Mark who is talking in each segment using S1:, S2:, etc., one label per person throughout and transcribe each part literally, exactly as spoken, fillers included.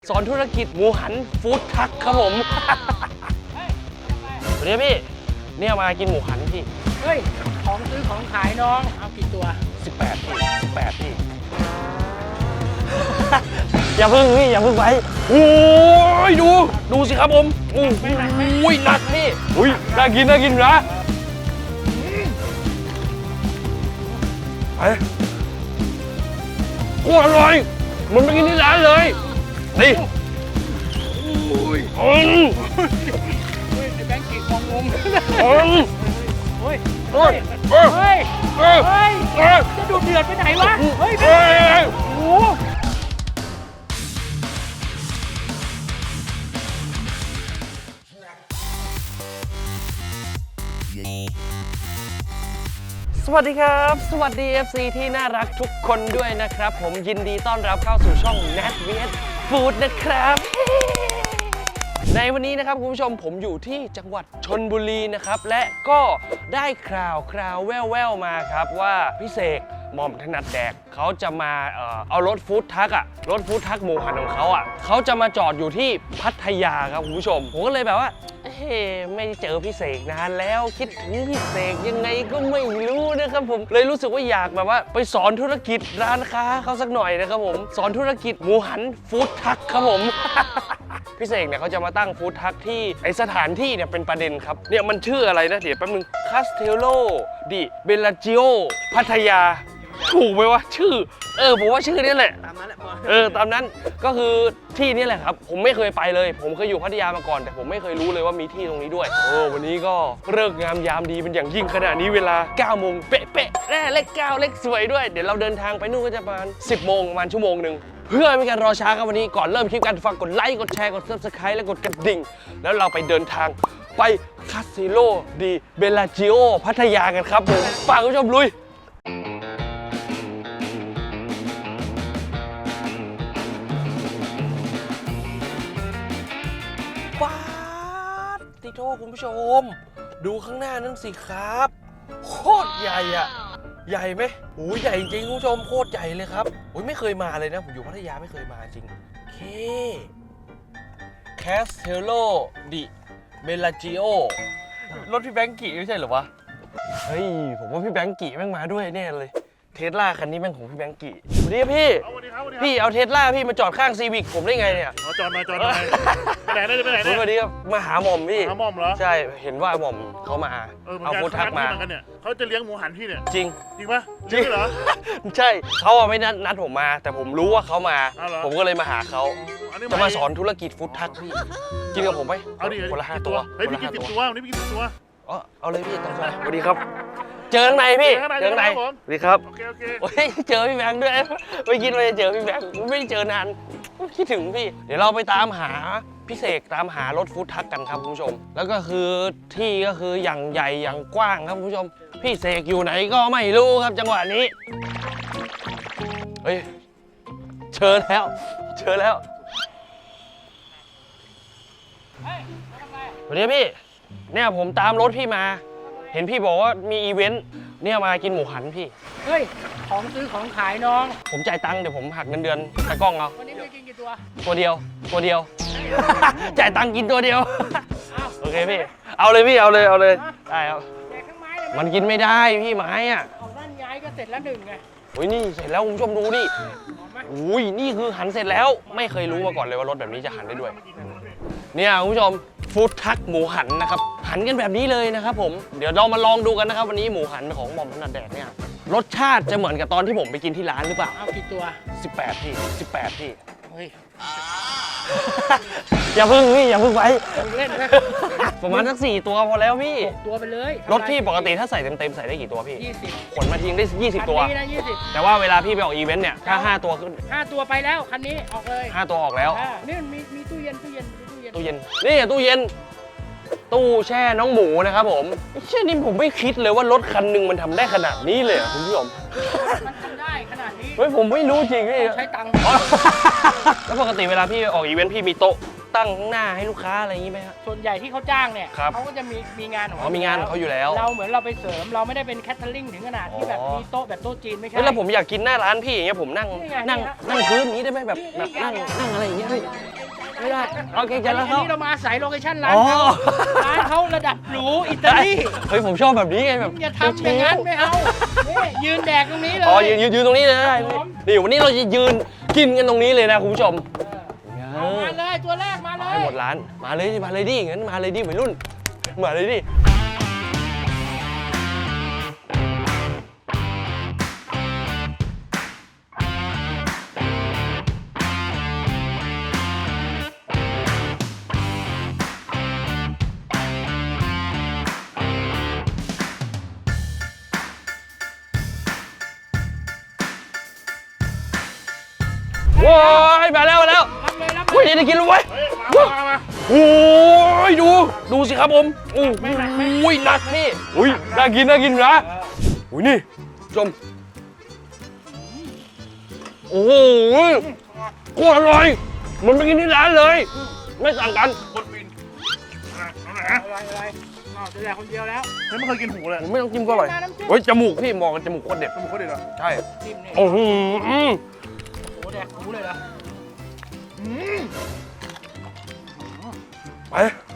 S1: สอนธุรกิจหมูหันฟู้ดทักครับผมสวัสดีพี่เนี่ยมากินหมูหันพี่
S2: เฮ้ยของซื้อของขายน้องเอากี่ตัว
S1: สิบแปดพี่สิบแปดพี่อย่าพึ่งพี่อย่าพึ่งไปโอ้ยดูดูสิครับผมโอ้ยหนักพี่อุ้ยน่ากินน่ากินนะไปโอ้อร่อยมันไปกินที่ร้านเลยนี่
S2: โอ้ย
S1: อืม
S2: เฮ้ยไอ้แบงค์ขีดมองงง
S1: อืม
S2: เฮ้ย
S1: เฮ้ย
S2: เฮ้ยเฮ้ยเฮ้ยจะดูเดือดไปไหนวะเฮ้ยเฮ้ยโอ้
S1: สวัสดีครับสวัสดี เอฟ ซี ที่น่ารักทุกคนด้วยนะครับผมยินดีต้อนรับเข้าสู่ช่อง แนท วี เอส Food นะครับในวันนี้นะครับคุณผู้ชมผมอยู่ที่จังหวัดชลบุรีนะครับและก็ได้ข่าวคราวแว่วๆมาครับว่าพี่เสกหม่อมถนัดแดกเขาจะมาเอ่อเอารถฟู้ดทักอะรถฟู้ดทักหมูหันของเขาอะเขาจะมาจอดอยู่ที่พัทยาครับคุณผู้ชมผมก็เลยแบบว่าเฮ้ไม่เจอพี่เสกนานแล้วคิดถึงพี่เสกยังไงก็ไม่รู้นะครับผมเลยรู้สึกว่าอยากแบบว่าไปสอนธุรกิจร้านค้าเขาสักหน่อยนะครับผมสอนธุรกิจหมูหันฟู้ดทักครับผม พี่เสกเนี่ยเขาจะมาตั้งฟู้ดทักที่ไอสถานที่เนี่ยเป็นประเด็นครับเนี่ยมันชื่ออะไรนะเดี๋ยวแป๊บนึงคาสเทโลดิเบลลาจิโอพัทยาถูกไหมวะชื่อเออผมว่าชื่อนี้แหละ
S2: ตามนั้นแหละ
S1: เออตามนั้นก็คือที่นี่แหละครับผมไม่เคยไปเลยผมเคยอยู่พัทยามาก่อนแต่ผมไม่เคยรู้เลยว่ามีที่ตรงนี้ด้วยโอ้วันนี้ก็เลิกงามยามดีเป็นอย่างยิ่งขณะนี้เวลาเก้าโมงเป๊ะๆแน่เลขเก้าเลขสวยด้วยเดี๋ยวเราเดินทางไปนู่นก็จะประมาณสิบโมงประมาณชั่วโมงหนึ่งเพื่อไม่ให้การรอช้าครับวันนี้ก่อนเริ่มคลิปกันฝากกดไลค์กดแชร์กด ซับสไครบ์ และกดกระดิ่งแล้วเราไปเดินทางไปคาสิโลดีเบลลาจิโอพัทยากันครับผมฝากคุณผู้ชมลุยป๊าดติโทคุณผู้ชมดูข้างหน้านั่นสิครับโคตรใหญ่อะใหญ่ไหมโอ้ยใหญ่จริงคุณผู้ชมโคตรใหญ่เลยครับโอ้ยไม่เคยมาเลยนะผมอยู่พัทยาไม่เคยมาจริงเคแคสเทโลดิเบลลาจิโอรถพี่แบงค์กี่ไม่ใช่เหรอวะเฮ้ยผมว่าพี่แบงค์กี่แม่งมาด้วยแน่เลยเทสลาคันนี้แม่งของพี่แบงค์กี่สวัสดีพี่พี่เอาเทสลาพี่มาจอดข้างซีวิกผมได้ไงเนี่ย
S3: อ๋อจอดมาจอดมาไปไหนได้ไปไหนได้
S1: สวัสดีครับมาหาหม่อมพี่
S3: หาหม่อมเหรอ
S1: ใช่เห็นว่าหม่อมเขามาเอาฟู้ดทักมา
S3: เขาจะเลี้ยงหมูหันพี่เนี่ย
S1: จริง
S3: จริงปะจริงเหรอ
S1: ใช่เขาไม่นัดนัดผมมาแต่ผมรู้ว่าเขามาผมก็เลยมาหาเขาจะมาสอนธุรกิจฟู้ดทักพี่กินกับผมไหม
S3: เอาดิ
S1: คนละห้าตัว
S3: เฮ้ยพี่กินสิบตัววันนี้พี่กินสิบตัว
S1: อ๋อเอาเลยพี่ตามสบายสวัสดีครับเจอข้างในพี่เจอข้างในสวัสดีครับ
S3: โอเคโอเค
S1: โอ้ยเจอพี่แบงค์ด้วยไม่คิดว่าจะเจอพี่แบงค์ไม่ได้เจอนานคิดถึงพี่เดี๋ยวเราไปตามหาพี่เสกตามหารถฟู้ดทักกันครับคุณผู้ชมแล้วก็คือที่ก็คืออย่างใหญ่อย่างกว้างครับคุณผู้ชมพี่เสกอยู่ไหนก็ไม่รู้ครับจังหวะนี้เฮ้ยเชิญแล้วเชิญแล้วสวัสดีพี่เนี่ยผมตามรถพี่มาเห็นพี่บอกว่ามีอีเวนต์เนี่ยมากินหมูหันพี่
S2: เฮ้ยของซื้อของขายน้อง
S1: ผมจ่ายตังค์เดี๋ยวผมหักเงินเดือนตากล้องเอา
S2: วันนี้ไปกินกี่ตัว
S1: ตัวเดียวตัวเดียวจ่ายตังค์กินตัวเดียวโอเคพี่เอาเลยพี่เอาเลยเอาเลยได้ครับมันกินไม่ได้พี่ไม้อ่ะ
S2: ของด้านย้ายก็เสร็จแล้วหนึ่งไง
S1: โอ้ยนี่เสร็จแล้วคุณผู้ชมดูดิอุ้ยนี่คือหันเสร็จแล้วไม่เคยรู้มาก่อนเลยว่ารถแบบนี้จะหันได้ด้วยเนี่ยคุณผู้ชมฟู้ดทักหมูหันนะครับหันกันแบบนี้เลยนะครับผมเดี๋ยวเรามาลองดูกันนะครับวันนี้หมูหันของหม่อมถนัดแดกเนี่ยรสชาติจะเหมือนกับตอนที่ผมไปกินที่ร้านหรือเปล่า
S2: เอากี่ตัว
S1: สิบแปดพี่สิบแปดพี่
S2: เฮ้ย
S1: อย่าพึ่งพี่อย่าพึ่งไป
S2: เล่นนะ
S1: ประมาณสักสี่ตัวพอแล้วพี่
S2: ตัวไปเลย
S1: รถพี่ปกติถ้าใส่เต็มๆใส่ได้กี่ตัวพี่
S2: ยี่สิบ
S1: ขนมาทิ้งได้ยี่สิบตัว
S2: คันนี้นะยี่สิบ
S1: แต่ว่าเวลาพี่ไปออกอีเวนต์เนี่ยถ้าห้าตัวขึ้น
S2: ห้าตัวไปแล้วคันนี้ออกเลย
S1: ห้าตัวออกแล้ว
S2: นี่มีมีตู้เย็นตู้เย็นตู้เย็น
S1: ตู้เย็นนี่ตู้เย็นตู้แช่น้องหมูนะครับผมเชื่อนี่ผมไม่คิดเลยว่ารถคันหนึ่งมันทำได้ขนาดนี้เลยคุณผู้ชม
S2: มันทำได้ขนาดนี้
S1: เฮ้ยผมไม่รู้จริงพี่
S2: ใช้ตังค์
S1: แล้วปกติเวลาพี่ออกอีเวนต์พี่มีโต๊ะตั้งข้างหน้าให้ลูกค้าอะไรอย่างนี้ไหมครับ
S2: ส่วนใหญ่ที่เขาจ้างเนี่ย
S1: ครับ
S2: เขาก็จะมีมีงานของ
S1: อ๋อมีงานของเขาอยู่แล้ว
S2: เราเหมือนเราไปเสริมเราไม่ได้เป็นแคทเทอริงถึงขนาดที่แบบ
S1: อ๋อ
S2: มีโต๊ะแบบโต๊ะจีนไม่ใช่
S1: เฮ้ยแล้วผมอยากกินหน้าร้านพี่อย่างเงี้ยผมนั่ง
S2: นี่ไง
S1: นั่ง
S2: นี่ฮะ
S1: นั่งพื้นอย่างนี้ได้ไหมแบบแบบนั่งนั่งอะไรอย่างเงี้ยพี่ไม่ได้โอเคใจแล้ว
S2: อัน
S1: เขา
S2: นี้เรามาอาศัยโลเคชั่นร้าน
S1: อ๋อ
S2: เขาร้านเขาระดับหรูอิตาลี
S1: เฮ้ยผมชอบแบบนี้ไงแบบ
S2: อย่าทำอย่างนั้นไม่เอานี่ยืนแดกตรงนี้เลย
S1: อ๋อยืนยืนยืนตรงนี้เลยได้
S2: ครับผม
S1: นี่วันนี้เราจะยืนกินกันตรงนี้เลยนะคุณผู้ชม
S2: เอามาเลยตัวแรกมาเล
S1: ให้
S2: ย
S1: หมดร้านมาเลยดิมาเลยดิงั้นมาเลยดิวัยรุ่นมาเลยดิว้ายมาแล้วมาแล้ว
S2: รับเลยรับเล
S1: เฮ้ย
S2: ย
S1: ได้กินแล้วเว้ย
S3: เฮ้ยมามามา
S1: โอ้ยดูดูสิครับผมโอ้ยหนักพี่อุ้ยน่ากินน่ากินนะอุ้ยนี่ชมโอ้โหโคตรอร่อยเหมันไปกินที่ร้านเลย ไม่สั่งกัน
S3: คนบินอ่ะเอาไหน
S2: อะไรอะไรอ้าวจะแดกคนเดียวแล้ว
S3: เฮ้ยไม่เคยกินหูเลย
S1: ผมไม่ต้องจิ้มก็อร่อยเฮ้ยจมูกพี่มองกันจมูกโคตรเด็ด
S3: จมูกเขาเด็ดเหรอ
S1: ใช่
S2: จิ้มเนี่ย
S1: โอ้โหอืม
S2: โอ้แดกหูเลยเหรอ
S3: อืม
S1: ไป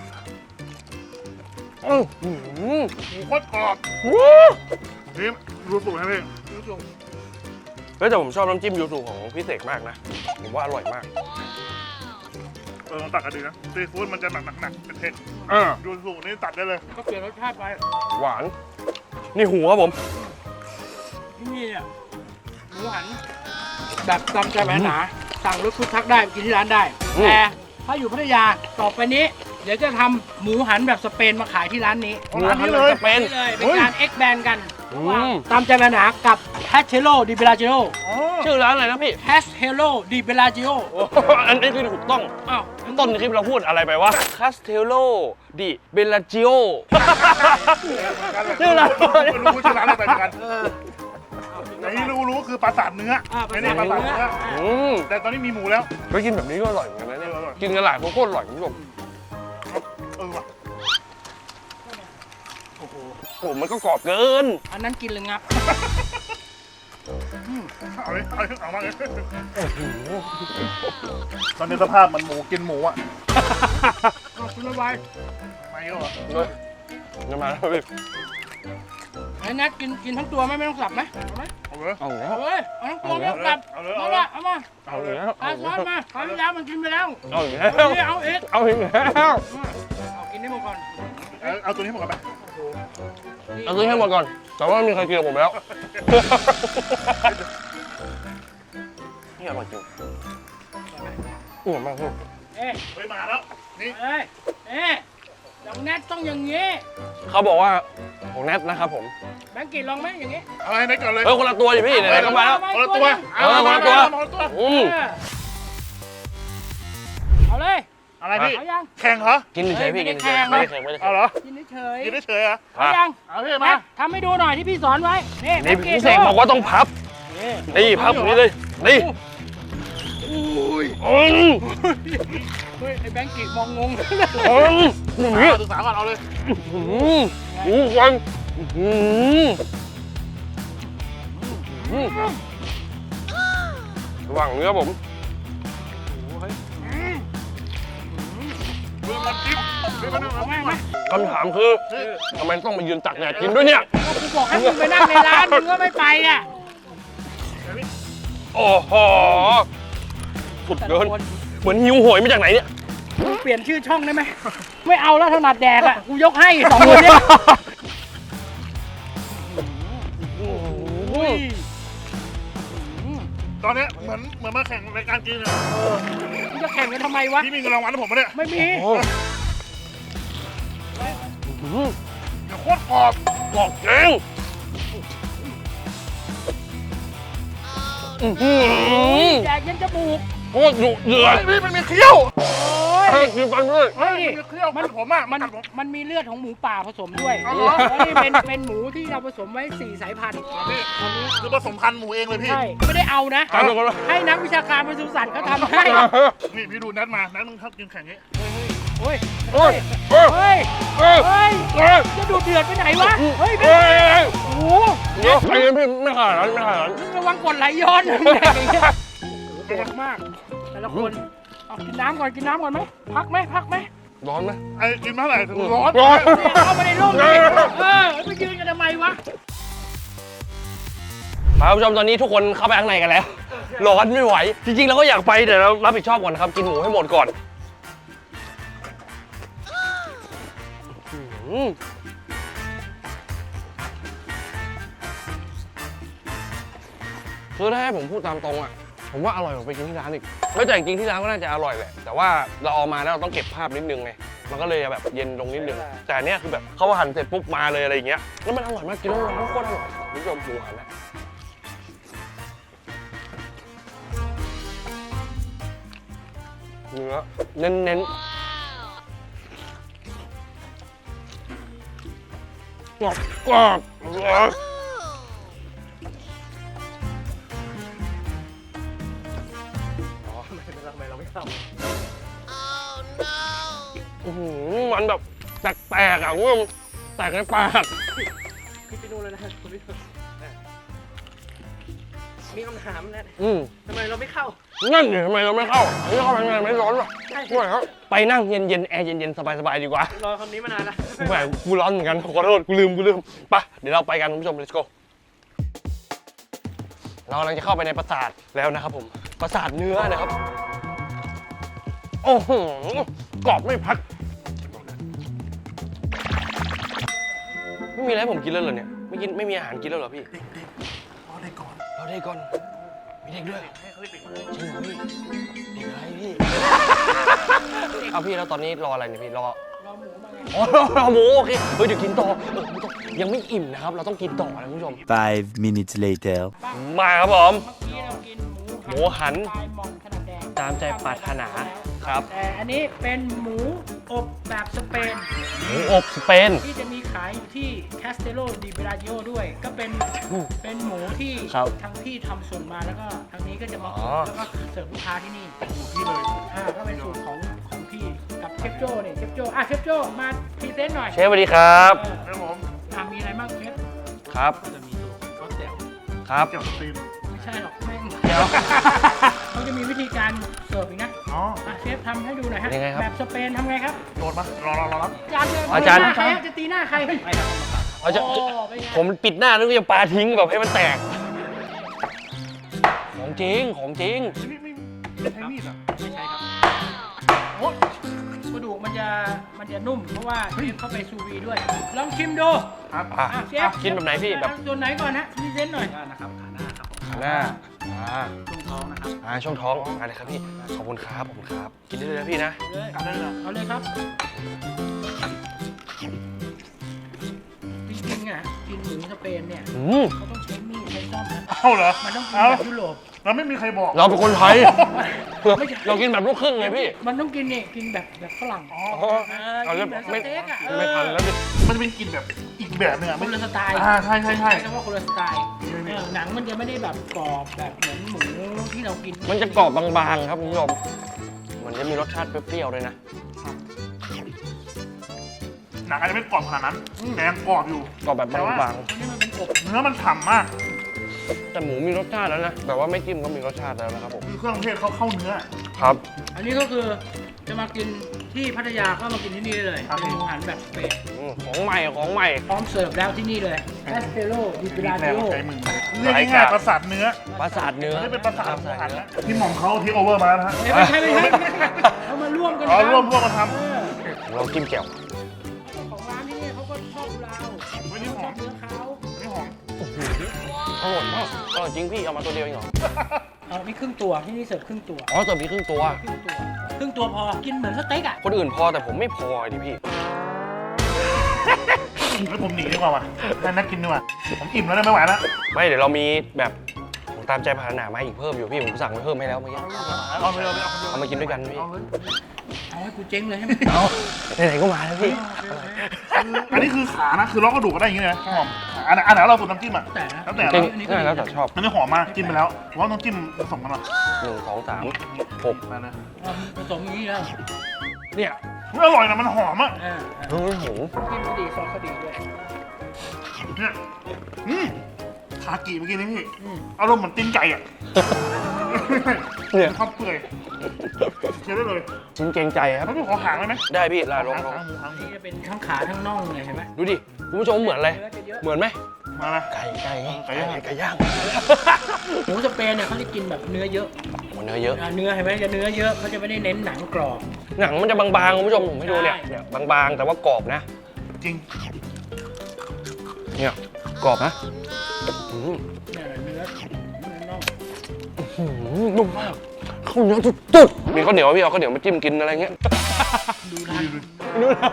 S1: อื้อหือ
S3: หมูโคตรกรอบ
S1: ว้าว
S3: นี่รู้สูตรให้พี่
S2: ดูสูง
S1: เฮ้ยแต่ผมชอบน้ำจิ้มยูสุของพี่เสกมากนะ ผมว่าอร่อยมาก
S3: เออลองตัดกันดีนะซีฟู้ดมันจะหนักหนักหนักเป็นเผ็ด
S1: อ่า
S3: ดูสูตรนี่ตัดได้เลย
S2: ก็เปลี่ยนรสชาติไป
S1: หวาน นี่หัวครับผม
S2: ที่นี่เนี่ยหมูหันแบบตามใจแหวนหนาสั่งรถฟุตทักได้กินที่ร้านได้
S1: อืม
S2: แต่ถ้าอยู่พัทยาต่อไปนี้ เดี๋ยวจะทำหมูหันแบบสเปนมาขายที่ร้านนี้
S3: เอาร้านนี้เลย
S1: จะเป็น
S2: นี่เลยเป็นการเอ็กแบนกัน
S1: อื
S2: ระหว่าง
S1: ม
S2: ตามใจแหวนหนากับแฮชเชโลดิเบลาจิโอ
S3: อ๋อ
S1: ชื่อร้านอะไรนะพี่
S2: แฮชเชโลดิเบลาจิโอ
S1: โอ้โหอันนี้คือถูกต้อง
S2: อ้าว
S1: ต้นคลิปเราพูดอะไรไปวะคาสเทโลดิเบลาจิโอชื่อร้าน
S3: ไม่รู้ชื่อร้านอะไรไปเหมือนกันแต่ที่รู้รู้คือปลาสาทเนื้อ
S2: อ่า
S3: ไอ้นี่ปลาสาทเนื้อ
S1: อืม
S3: แต่ตอนนี้มีหมูแล้ว
S1: ไปกินแบบนี้ก็อร่อยเหมือนกันนะเนี่ย
S3: เอออร่อย
S1: กินกันหลายคนโคตรอร่อยคุณผู้ชม
S3: เออว่ะ
S2: โอ้โห
S1: โอ้มันก็กรอบเกิน
S2: อันนั้นกินเลยงับ
S3: เอาเลยเอาเลยเอามาเลยตอนนี้สภาพมันหมูกินหมูอ่ะ
S2: เอาคุณระบาย
S3: ไม่ก็เหรอ
S1: เลยจะมาแล้วพี่
S2: ไอ้นัทกินกินทั้งตัวไหมไม่ต้องสับไหมเอาไหม
S3: เอาเลย
S1: เอาแล้ว
S2: เอาเลยเอาทั้งตัวไม่ต้องสับ
S3: เอาเลย
S2: เอา
S3: เอาเลย
S2: ละเอามา
S1: เอาอีกแล้ว
S2: เอาช้อนมาคราวที่แล้วมันกินไปแล้ว
S1: เอาอีกแล้ว
S2: เอาอีกเอาอีก
S1: เอาอีกแล้ว
S2: เอากินได้หมดก่อน
S3: เอาเอาตัวนี้หมดกันไป
S1: เอาซื้อให้หมดก่อน แต่ว่าไม่มีใครกินกับผมแล้ว นี่อร่อยจริงอ้วนมากพี่
S2: เอ๊ะ
S3: เฮ้ยมาแล้ว นี่
S2: เอ้ยเอ๊ะดอกแนทต้องอย่างงี้
S1: เขาบอกว่าของแนทนะครับผม
S2: แบงค์กินลองไหมอย่างงี้
S3: เอาให้ได้ก่อนเลย
S1: เฮ้ยคนละตัวดิพี่ไหนๆก็มาแล้ว
S3: คนละตัว
S1: เออคนละตัว
S3: คนละตัว
S1: อืม
S2: เออเอาเลย
S3: อะไรพี่
S2: เอายัง
S3: แข่งเหรอ
S1: กินเฉยๆพี่
S2: ไม่
S1: กิ
S2: ได้
S1: นเฉยๆ
S2: แข่
S1: ไม่
S2: ง
S1: ได้แข่งไม่ได้
S3: เอา
S1: แข่ง
S3: เหรอ
S2: กินเฉย
S3: กินได้เฉยเหรอ
S2: ๆเอายัง
S3: เอาพี่
S2: แน
S3: มา
S2: ททำให้ดูหน่อยที่พี่สอนไว้นี่แบ
S1: นี่
S2: งค์กิ
S1: พี่เสกบอกว่าต้องพับ
S2: นี่
S1: นี่พับอย่างนี้เลย นี่
S3: อุ้ย
S1: อืม
S2: เฮ้ยไอ้แบงค์กิมองงง
S1: อืมอย่างนี้
S3: ศึกษาก่อนเอาเลย
S1: อืมอู้วันอืมอืมระหว่างเนื้อผม
S3: มือมันจิ้มมือมัน
S2: เอา
S3: เอา
S2: ไหม
S3: แม่
S2: เอาไหม
S1: คำถามคือทำไมต้องมายืนตักแดดกินด้วยเนี่ย
S2: ก็กูบอกให้มึงไปนั่งในร้านมึงก็ไม่ไปอ่ะ
S1: โอ้โหสุดเกิน เหมือนหิวโหยมาจากไหนเนี่ย
S2: มึงเปลี่ยนชื่อช่องได้ไหมไม่เอาแล้วถนัดแดกอ่ะกูยกให้สองคนเนี้ยอุ้ย
S3: ตอนเนี้ยเหมือนเหมือนมาแข่งรายการกินอะ
S2: มึงจะแข่งกันทำไมวะ
S3: พี่มีเงินรางวัลให้ผมปะเนี่ย
S2: ไม่มี
S1: โอ้โห
S3: เดี๋ยวโคตรกรอบ
S1: กรอบจริงอื้อหือ
S2: แดกยันจมูก
S1: โคตรดุเดือด
S3: เฮ้ยพี่มันมีเคี้ยว
S2: โอ้ย
S1: กินฟันด้วย
S2: เฮ้ย
S3: มันเคี่ยว
S2: มัน
S3: ผมอ่ะ
S2: มัน
S3: กัดผม
S2: มันมีเลือดของหมูป่าผสมด้วย
S3: เอาเหรอ
S2: แล้วนี่เป็นเป็นหมูที่เราผสมไว้สี่สายพันธุ์
S3: พี่คือผสมพันธุ์หมูเองเลยพี่
S2: ใช่ไม่ได้เอานะ
S1: ตามไปก่อนวะ
S2: ให้นักวิชาการปศุสัตว์เขาทำให้
S3: นี่พี่ดูนัดมานัดมึงชอบกินแข่งนี้
S2: โอ้ย
S1: โอ้ย
S2: เฮ้
S1: โอ้ย
S2: ย
S1: โอ้ย
S2: เฮ้ย
S1: โอ้ย
S2: จะดูเดือดไปไหนวะเฮ้ย
S1: โอ้ย
S2: โอ้โห
S1: เดี๋ยวไอ้นี่พี่ไม่ขนาดนั้นไม่ขนาดนั้น
S2: ระวังกดไหลย้อนนะแดกอย่างเงี้ยโหดมากแต่ละคนเอากินน้ำก่อนกินน้ำก่อนไหมพักไหมพักไหม
S1: ร้อนไหม
S3: ไอ้กินเท่าไหร่ร้อน
S1: ร้อน
S2: เข้ามาในร่มดิเออไปยืนกันทำไมวะ
S1: ครับผู้ชมตอนนี้ทุกคนเข้าไปข้างในกันแล้ว ร้อนไม่ไหว จริงๆเราก็อยากไปแต่เรารับผิดชอบก่อนนะครับ กินหมูให้หมดก่อนอืมคือถ้าให้ผมพูดตามตรงอ่ะ ผมว่าอร่อยกว่าไปกินที่ร้านอีกแล้วแต่จริงๆที่ร้านก็น่าจะอร่อยแหละ แต่ว่าเราเอามาแล้วเราต้องเก็บภาพนิดนึงไง มันก็เลยแบบเย็นลงนิดนึง แต่อันเนี้ยคือแบบเขาหั่นเสร็จปุ๊บมาเลยอะไรอย่างเงี้ย แล้วมันอร่อยมากกินแล้วมันโคตรอร่อยคุณผู้ชมหมูหันนะเนื้อเน้นเน้นกรอบกรอบอื้อหือมันแบบแตกๆอ่ะคุณผู้ชมแตกในปาก
S2: พี่ไปนู่นแล้วนะคุณพี่มีคำถามนะ
S1: อืม
S2: ทำไมเราไม่เข้า
S1: นั่นเนี่ยทำไมเราไม่เข้าอันนี้เข้าไปไม่ร้อนหรอ
S2: ใช่
S1: ไม่ครับไปนั่งเย็นๆแอร์เย็นๆสบายๆดีกว่า
S2: รอคำนี้มานานแล้ว
S1: แหมกูร้อนเหมือนกันขอโทษกูลืมกูลืมไปเดี๋ยวเราไปกันคุณผู้ชม let's go เรากำลังจะเข้าไปในปราสาทแล้วนะครับผมปราสาทเนื้อนะครับโอ้โหกรอบไม่พักไม่มีอะไรให้ผมกินแล้วเหรอเนี่ยไม่กินไม่มีอาหารกินแล้วเหรอพี่
S3: เด็กๆรอได้ก่อน
S1: เราได้ก่อนมีเด็กด้วย
S3: ให้เขาเด็ก
S1: จริงเหรอพี่เด็กอะไรพี่ เอาพี่แล้วตอนนี้รออะไรเนี่ยพี่รอ
S2: รอหมูมาไง
S1: อ๋อรอหมูโอเคเฮ้ยเดี๋ยวกินต่อเออไม่ต้องยังไม่อิ่มนะครับ เราต้องกินต่อนะคุณผู้ชม
S4: Five minutes later.
S1: มาครับผม
S2: เมื่อกี้เรากินหมู
S1: หมูหัน
S2: สไตล์หม่อมขนาดแดง
S1: ตามใจปรารถนาครับ
S2: แต่อันนี้เป็นหมูอบแบบสเปน
S1: หมูอบสเปน
S2: ที่จะมีขายอยู่ที่แคสเตโลดิเบราจิโอด้วย ก็เป็น
S1: อืม
S2: เป็นหมูที่
S1: ครับ
S2: ทางพี่ทำส่วนมาแล้วก็ทางนี้ก็จะมา
S1: อ๋อ
S2: แล้วก็เสิร์ฟลูกค้าที่นี่
S3: ๆพี่เลย
S2: อ่าก็เป็นสูตรของของพี่กับเชฟโจ้เนี่ยเชฟโจ้อ่ะเชฟโจ้มาพรีเซนต์หน่อย
S1: เชฟสวัสดีครับ
S2: เออ
S3: ครับผม
S2: อ่ะมีอะไรบ้างเชฟ
S1: ครับ
S2: จะมีตัวก็แจ่ว
S1: ครับ
S3: เกี่ยวกับตีน
S2: ไม่ใช่หรอกแม่ง
S1: เดี๋ยว
S2: เขาจะมีวิธีการเสิร์ฟอีกนะ
S3: อ๋อ
S2: อ่ะเชฟทำให้ดูหน่อยฮะ
S1: ยังไงครับ
S2: แบบสเปนทำไงครับ
S3: โดนมารอรอรอรับ
S2: จานเลย
S1: อาจารย์
S2: หน้ใครครับจะตีหน้าใครไม่ครับ
S1: เอาจะ
S2: โอ้เป็นไง
S1: ผมปิดหน้าแล้วก็จะปาทิ้งแบบให้มันแตก ของจริงของจริง
S3: ไม่ไม่ไม่ใช้มีดอ่ะ
S2: ไม่ใช่ครับโอ้กระดูกมันจะมันจะนุ่มเพราะว่าเชฟเข้าไปซูวีด้วย ลองชิมดู
S3: ครับ
S1: อ่ะ
S2: อ่ะเชฟ
S1: กินแบบไหนพี่แบบ
S2: ส่วนไหนก่อนนะพรีเซนต์หน่อย
S5: นะครับขาหน้าครับผม
S1: ขาหน้าอ่า
S5: ช่วงท้องนะครับ
S1: อ่าช่วงท้องอะไรครับพี่ขอบคุณครับขอบคุณครับกินได้เลยนะพี่นะ
S2: เอาเลย
S3: กันได้เลย
S2: เอาเลยครับจริงๆอ่ะกินหมูสเปนเนี่ย
S1: อืม
S2: เขาต้องใช้มีดใช้ซ่อมนะ
S3: เอ้าเหรอ
S2: มันต้องกิน
S3: เอ้า
S2: แบบยุโรป
S3: เราไม่มีใครบอก
S1: เราเป็นคนไทย
S2: ไม่ใช่
S1: เรากินแบบลูกครึ่งไงพี่
S2: มันต้องกินนี่กินแบบแบบฝรั่ง
S3: อ๋อ
S1: อ๋อ
S2: เออ
S1: เอา
S2: กิ
S3: Ờ,
S1: เรื่อน ง
S2: แบบส
S1: ไม่
S2: เต็กอ่ะ
S1: ไม่ทันแล้วดิ
S3: มันจะเป็นกลิ่นแบบอีกแบบหนึงอ่ะ
S2: ค
S3: ไม่
S2: นละสไตล์
S3: อ่าใช่ใช่ใช่
S2: ใช้คำว่าคนละสไตล์เออหนังมันจะไม่ได้แบบกรอบแบบเหมือนหมูที่เรากิน
S1: มันจะกรอบบางๆครับคุณผู้ชมมันจะมีรสชาติเปรี้ยวๆเลยนะ
S3: หนังอาจจะไม่กรอบขนาดนั้นแต่ยังกรอบอยู่
S1: กรอบแบบ
S3: แต่ว่า
S1: บาง
S2: อันนี้มันเป็นอบ
S3: เนื้อมันฉ่ำมาก
S1: ๆแต่หมูมีรสชาติแล้วนะแบบว่าไม่จิ้มก็มีรสชาติแล้วนะครับผม
S3: คือเครื่องเทศเขาเข้าเนื้อ
S1: ครับ
S2: อันนี้ก็คือจะมากินที่พัทยาก็มากินที่นี่ได้เลย
S3: ครับ
S2: เป็นหมูหันแบบเป็ด
S1: อืมของใหม่ของใหม่
S2: พร้อมเสิร์ฟแล้วที่นี่เลยแคสเตโลดิเบ
S3: มี
S2: รา
S3: แร
S2: จิ
S3: ง
S2: โอ
S3: ใจมึงเรียกง่ายๆประสาทเนื้อ
S1: ปราสาทเนื้อ
S3: อันนี้เป็นประสาทหมู
S1: ปร
S3: หัน
S1: เนื้อ
S3: นะที่หม่อมเขาที่โอเวอร์มาแล้วนะฮะ
S2: ไม่ใช่ไม่ใช่ไม่ใช่เขามาร่วมกัน
S3: อ๋อ
S2: ทำ
S3: ร่วมร่วมมาท
S2: เออ
S1: เราจิ้มแจ่ว
S2: เจ้าของร้านที่นี่เขาก็ชอบเรา
S3: ำไม่นี่ห
S2: ช
S3: อ
S2: อ
S3: ม
S2: บเนื้อเขา
S3: ไม่หอม
S1: อร่อยมากอร่อยจริงพี่เอามาตัวเดียวเองเหรอ
S2: เอานี่ครึ่งตัวที่นี่เสิร์ฟครึ่งตัว
S1: อ๋อเติมพี่ครึ่งตัว
S2: ครึ่งตัวครึ่งตัวพอกินเหมือนสเต็กอ่ะ
S1: คนอื่นพอแต่ผมไม่พอดิพี่
S3: แล้วผมหนีดีกว่าว่ะให้นักกินดีกว่าผมอิ่มแล้วนะไม่ไหวแล้ว
S1: ไม่เดี๋ยวเรามีแบบของตามใจปรารถนามาอีกเพิ่มอยู่พี่ผมสั่งไว้เพิ่มให้แล้วเมื่อกี้
S3: อเอาไปเอาไปเอาไป
S1: เอามากินด้วยกันพี่
S2: เอาเฮ้ยเอาให้กูเจ๊งเลยใช่ไหม
S1: เอาไหนๆก็มาแล้วพี่
S3: อันนี้คือขานะคือล็อกกระดูกก็ได้อย่างเงี้ยนะหอมอันไหนอันไหนเราสูตรน้ำจิ้มอ่ะ
S2: แต่นะ
S3: แล้วแต่
S1: จริ
S3: เรา
S1: งง่ายแล้วแต่ชอบ
S3: มันไม่หอมมากจิ้มไปแล้วผมว่าต้องจิ้มผสมกันหน่อย
S1: หนึ่งสองสามหก
S3: มานะ
S2: เอาผสมอย่างนี้แล้ว
S1: เนี่ย
S3: มันอร่อยนะมันหอมอ่ะ
S2: อ่า
S1: โอ้โห
S2: กินก็ดีซอสก็ดีด้วย
S3: เนี่ยอืมคากิเมื่อกี้นี่พี่
S2: อืม
S3: อารมณ์เหมือนตีนไก่อ่ะ
S1: เนี่ย
S3: ความเปื่อยเคี้ยวได้เลย
S1: ชิ้นเกรงใจครับ
S3: แล้วพี่ขอหางได้ไหม
S1: ได้พี่ลาลอง
S3: หาง
S1: ลอง
S3: หางหมูหางหมู
S2: นี่จะเป็นทั้งขาทั้งน่องเลยเห็นไหม
S1: ดูดิคุณผู้ชมเหมือนอะไร
S2: เนื้อจะเยอะ
S1: เหมือนไหม
S3: มาละ
S1: ไก่ไก่
S3: ไก่ย่าง
S1: ไก่ย่าง
S2: หมูสเปนเนี่ยเขาจะกินแบบเนื้อเยอะ
S1: โอ้เนื้อเยอะ
S2: อ่าเนื้อเห็นไหมจะเนื้อเยอะเขาจะไม่ได้เน้นหนังกรอบ
S1: หนังมันจะบางๆคุณผู้ชมผมให้ดูเนี่ย
S2: ใช่
S1: เนี่ยบางๆแต่ว่ากรอบนะ
S3: จริง
S1: เนี่ยกรอบนะอืม
S2: เนี่ยเนื้อเนื้อน่อง
S1: อืมนุ่มมากข้าวเหนียวจุดๆมีข้าวเหนียวพี่เอาข้าวเหนียวมาจิ้มกินอะไรเงี้ย
S2: ดูนะ
S3: ดูดิ
S1: ดูนะ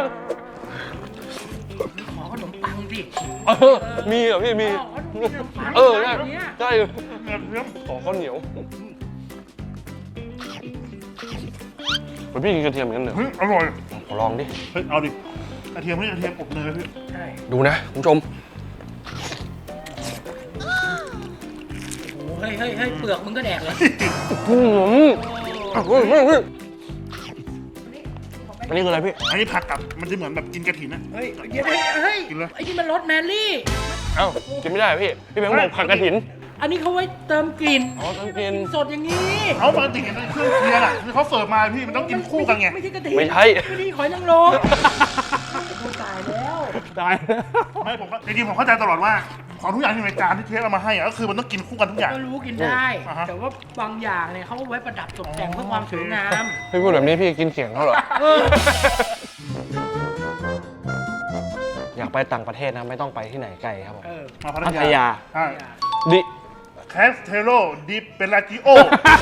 S2: ขอขนมปังสิ
S1: เออมีเหรอพี่มี
S2: อ๋อมีขนมปัง
S1: เออใช่
S2: แบบเนี้ย
S1: ใช่
S3: เนื้อเนื้อ
S1: ขอข้าวเหนียวพี่กินกระเทียมเหมือนกันเหรอ
S3: เฮ้ยอร่อย
S1: ขอลองดิ
S3: เฮ้ยเอาดิกระเทียมนี่กระเทียมอบเนยพี่
S2: ใช่
S1: ดูนะคุณผู้ชม
S2: โอ้เฮ้ยเฮ้ยเฮ้ยเปลือกมึงก็แดกเลย
S1: อืม
S2: โอ้
S1: เฮ้ยเฮ้ยเฮ้ยอันนี้คืออะไรพี่
S3: อันนี้ผักกับมันจะเหมือนแบบกินกระถินนะ
S2: เฮ้ยเดี๋ยวเฮ้ยเฮ้ย
S3: กินเลย
S2: ไอ้นี่มันรสแมรี่
S1: เอ้ากินไม่ได้เหรอพี่ พี่แบงค์บอกผักกระถิน
S2: อันนี้เขาไว้เติมกลิ่น
S1: อ๋อต้องกิน
S2: สดอย่างนี้
S3: เอาปกติเนี่ยเครื่องเคียงอ่ะคือเขาเสิร์ฟมาพี่มันต้องกินคู่กันไง
S2: ไม่ใช่กระถิ่น
S1: ไม่ใช่
S2: ไม่ใช่หอยนางรมโอ้ตายแล้ว
S1: ตาย
S3: ไม่ผมก็จริงๆผมเข้าใจตลอดว่าของทุกอย่างที่อยู่ในจานที่เชฟเอามาให้อะก็คือมันต้องกินคู่กันทุกอย่าง
S2: ก็รู้กินได้
S3: อ่าฮะ
S2: แต่ว่าบางอย่างเนี่ยเขาไว้ประดับตกแต่งเพื่อความสวยงาม
S1: พี่พูดแบบนี้พี่กินเสียงเขาเหรอ
S2: เออ
S1: อยากไปต่างประเทศนะไม่ต้องไปที่ไหนไกลครับผม
S2: เออ
S3: มาพั
S1: พั
S3: ท
S1: ท
S3: ยาย
S1: า
S3: ใช่
S1: ดิ
S3: แคสเทโลดิเปลาจิโอ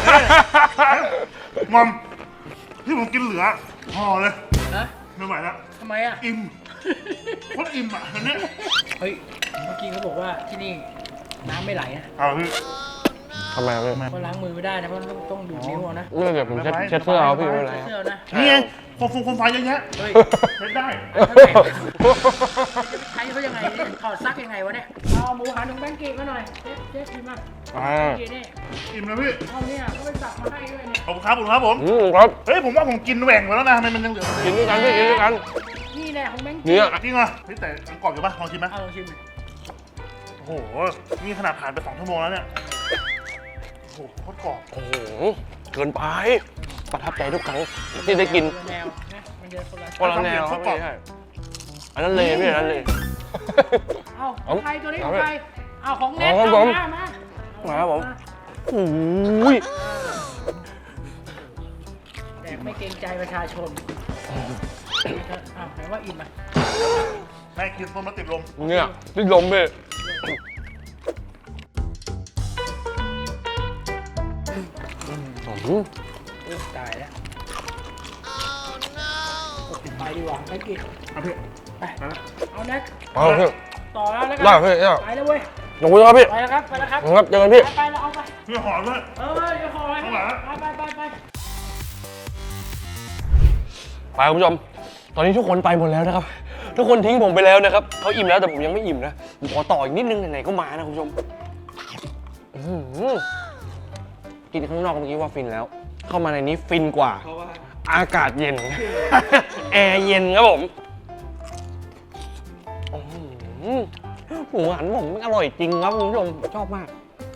S3: งอมที่ผมกินเหลือพอเลย
S2: ฮะ
S3: ไม่ไหวแล้ว
S2: ทำไมอ่ะ
S3: อิ่มโคตรอิ่มอ่ะอันเนี้ย
S2: เฮ้ย เมื่อกี้เขาบอกว่าที่นี่น้ำไม่ไหลนะ
S3: เอาพี่
S1: ทำไมพี่
S2: เพราะล้างมือไม่ได้นะเพราะต้องต้องดูดนิ้วเอานะ
S1: ไม่เดี๋ยวผมเช็ดเช็ดเสื้อเอาพี่ไม่เป็นไรครับ
S2: เสื้อนะ
S3: นี่ไงโคมฟงโคมไฟเยอะแยะ
S2: เฮ้ย
S3: เล่นได้
S2: เท่าไหร่ใช้เขายังไงเนี่ยถอดซักยังไงวะเนี่ย เอาหมูหันหนึ่งแบงกี้มาหน่อยเจ๊เจ๊กินมา
S1: อ่า
S2: กินนี่
S3: อิ่มเลยพี่
S2: เอาเนี่ยเขาไปสับมาให้ด้วยเนี่ย
S3: ขอบคุณครับขอบคุณครับผม
S1: อืมครับ
S3: เฮ้ยผมว่าผมกินแหว่งไปแล้วนะทำไมมันยังเหลือ
S1: กินด้วยกันพี่กินด้วยกัน
S2: นี่แน่ของแบงกี้
S1: เนี่ย
S3: จริงเหรอเฮ้ยแต่ยังกรอบอยู่ปะลองชิมไหม
S2: เอาลองชิมดิ
S3: โอ้โหนี่ขนาดผ่านไปสองชั่วโมงแล้วเนี่ยโอ้โหโคตรกรอบ
S1: โอ้โหเกินไปประทับใจทุกครั้งที่ได้กิน
S2: แนวนะมันจะคนละ
S1: คนละแนวครับพี่ใช่อันนั้นเลยพี่อันนั้นเลย
S2: เอา
S1: เอา
S2: ใครตัวนี้ข
S1: เอา
S2: อง
S1: ไป
S2: ใครเอาของแน็ต
S1: เอาครับ
S2: เอา
S1: ผม
S2: มามา
S1: มาครับผมโอ้ย
S2: แต่ไม่เกรงใจประชาชนอ้าวไหนว่าอิ่มอ่ะ
S3: แม่กินส้มแล้วติดลม
S1: เนี่ยติดลมพี่ อืม
S2: เออตายแล้วไปดีกว่าไปกิน
S3: เอาพี่
S2: ไปเอาแน็ก
S1: เอาพี่
S2: ต่อแล้วแล้วกั
S1: ได้พี่ได้
S2: ไปแล้วเว้ย
S1: ขอบคุณครับพี่
S2: ไปแล้วครับไปแล้วครับ
S1: ครับเจอกันพี่
S2: ไปไปแล้วเอาไป
S3: พี่หอมด้วย
S2: เออเดี๋ยวขอไป
S3: ข้างหลัง
S2: ไปไปไป
S1: ไปคุณผู้ชม ตอนนี้ทุกคนไปหมดแล้วนะครับ ทุกคนทิ้งผมไปแล้วนะครับเขาอิ่มแล้วแต่ผมยังไม่อิ่มนะผมขอต่ออีกนิดนึงไหนๆก็มานะคุณผู้ชมอื้อหือกินข้างนอกเมื่อกี้ว่าฟินแล้ว เข้ามาในนี้ฟินกว่า
S2: เพราะว่า
S1: อากาศเย็น แอร์เย็นครับผมอื้อหือหมูหันผมมันอร่อยจริงครับคุณผู้ชมชอบมาก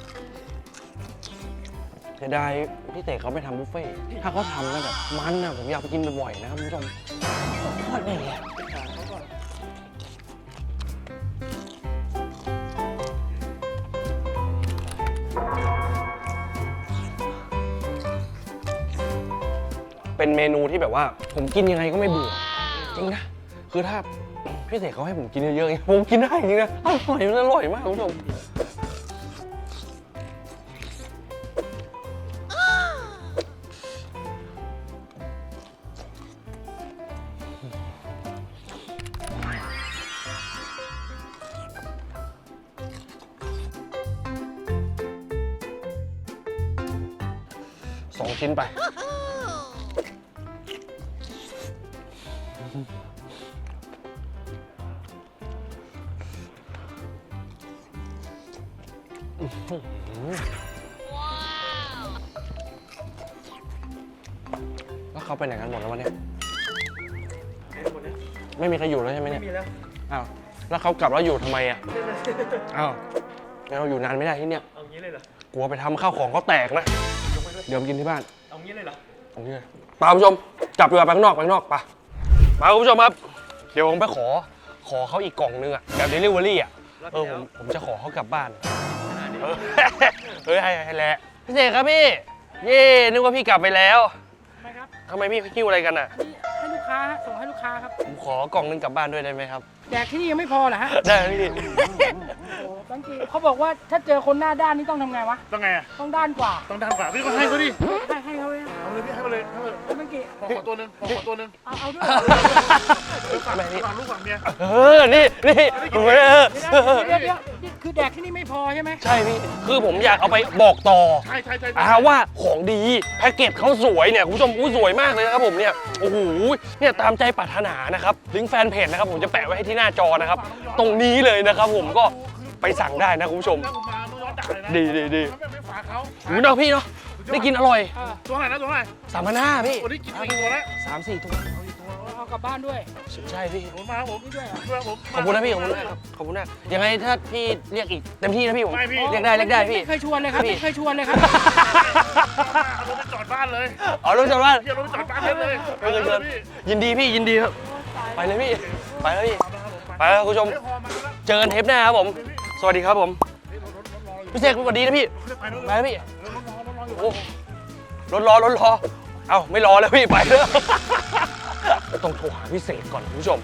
S1: เสียดายพี่เต๋เขาไม่ทำบุฟเฟ่ต์ถ้าเขาทำนะแบบมันนะผมอยากไปกินบ่อยๆนะครับคุณผู้ชมโคตรดีอะเป็นเมนูที่แบบว่า ผมกินยังไงก็ไม่เบื่อจริงนะคือถ้าพี่เต๋เขาให้ผมกินเยอะๆผมกินได้จริงนะอร่อยมันอร่อยมากคุณผู้ชมซองชิ้นไปแล้วเขาไปไหนกันหมดแล้ววันนี้ไม่มีใครอยู่แล้วใช่ไหมเนี่ย
S3: มีแล้ว
S1: อ้าวแล้วเขากลับแล้วอยู่ทำไมอ่ะอ้าวงั้นเราอยู่นานไม่ได้ที่เนี่ย
S3: เอางี้เลยเหรอก
S1: ลัวไปทำข้าวของเขาแตกนะ เดี๋ยวมากินที่บ้าน
S3: เอางี้เลยเหรอ
S1: เอางี้เลยไปคุณผู้ชมจับเรือไปข้างนอกไปข้างนอกไปมาคุณผู้ชมครับ เดี๋ยวผมไปขอขอเขาอีกกล่องนึงอ่ะแบบเดลิเวอรี่อ่ะเออผมผมจะขอเขากลับบ้านเออเฮ้ยให้ให้แหละพี่เสกครับพี่เย่นึกว่าพี่กลับไปแล้ว
S2: ไม่ครับ
S1: ทำไมพี่คิ้วอะไรกันอ่ะ
S2: นี่ให้ลูกค้าฮะส่งให้ลูกค้าครับ
S1: ผมขอกล่องนึงกลับบ้านด้วยได้ไหมครับ
S2: แดกที่นี่ยังไม่พอเหรอฮะ
S1: ได้ครับพี่
S2: โอ้บางทีเขาบอกว่าถ้าเจอคนหน้าด้านนี่ต้องทำไงวะ
S3: ต้องไงอ่ะ
S2: ต้องด้านกว่า
S3: ต้องทำก่อนพี่ก็ให้เขาดิ
S2: ให้ให้เขาเลยนะ
S3: เอาเลยพี่ให้มาเลยให้มาเลย
S2: บางที
S3: ขอขอตัวหนึงขอขอตัวหนึง
S2: เอาเอาด้วย
S3: ฝั่ง
S1: ไม่นี่
S3: ฝั่งลูกฝั่งเมีย
S1: เออนี่นี่ผมไม่เออ
S2: เดี๋ยวเดี๋ยวเดี๋ยวนี่คือแดกที่นี่ไม่พอใช่ไหม
S1: ใช่พี่คือผมอยากเอาไปบอกต่อ
S3: ใช่ใช่ใช่
S1: อ่าว่าของดีแพ็กเกจเขาสวยเนี่ยคุณผู้ชมอู้สวยมากเลยนะครับผมเนี่ยโอ้โหเนี่ยตามใจปรารถนานะครับลิงก์แฟนเพจนะครับผมจะแปะไว้ให้ที่หน้าจอนะครับตรงนี้เลยนะครับผมก็ไปสั่งได้นะคุณผู้ชม
S3: ถ้าผมมาต้องย้อนด่าเลยนะ
S1: ดีดีดี
S3: ถ้าไม่ฝากเขา
S1: หูเนาะพี่เนาะได้กินอร่อย
S2: เออ
S3: ตัวไหนนะตัวไหน
S1: สามพันห้าพี่
S3: วันนี้กินอีกตัวแล้ว
S1: สามสี่ตัว
S2: เอากลับบ้านด้วย
S1: ใช่พี่
S3: ผมมาครับผม
S2: นี่ด้วยเหรอ
S3: ด้วยผม
S1: ขอบคุณนะพี่ขอบคุณนะครับขอบคุณนะยังไงถ้าพี่เรียกอีกเต็มที่นะพี่ผม
S3: ไม่พี่
S1: เรียกได้เรียกได้พี่
S2: ไม่เคยชวนเลยครับ
S1: พี่
S2: ไม่เคยชวนเลยครับ
S3: เอารถไปจอดบ้านเลย
S1: อ๋อรู้จักว่า
S3: พี่เอารถไปจอดบ้านเลย
S1: ไม่เคยเชิญ
S3: พี่
S1: ยินดีพี่ยินดีครับไปเลยพี่ไปแล้วพี่ไปแล้วคุณผู้ชม
S3: เฮ้ยพอมาแล้ว
S1: เจอกันเทปหน้าครับผม สวัสดีครับผม
S3: เฮ้ยรถรถรถรออยู่
S1: พี่เสกสวัสดีนะพี่
S3: ไปรถ
S1: ไปแล้วพี่
S3: รถรถรอรถรออยู่
S1: โอ้รถรอรถรอเอ้าไม่รอแล้วพี่ไปแล้วต้องโทรหาพี่เสกก่อนคุณผู้ชม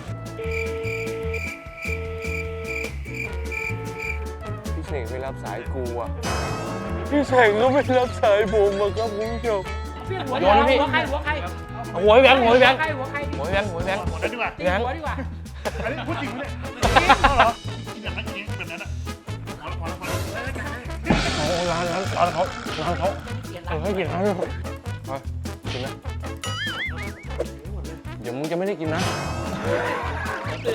S1: พี่เสกไม่รับสายกูอ่ะพี่เสกก็ไม่รับสายผมอะครับคุณผู้ชม
S2: พี่หัว
S1: โดนนะพี่
S2: หัวใครหัวใคร
S1: เอาหัวพี่แบงค์หัวพี่แบงค์
S2: ใครหัวใคร
S1: หัวพี่แบงค์หัวพี่แบงค์
S3: หมดแล้วดีกว่า
S2: ตีหัวดีกว่า
S3: อันนี้พูดจริงไหมเนี่ยเอาเหรอกินอย่างนั้นกินแบบนั้นอ่ะพอแล้วพอแล้วพอแล้ว
S1: โอ้ร้านร้านร้านเขาร้านเขาเออให้กินร้านเขาไปกินนะเดี๋ยวมึงจะไม่ได้กินนะ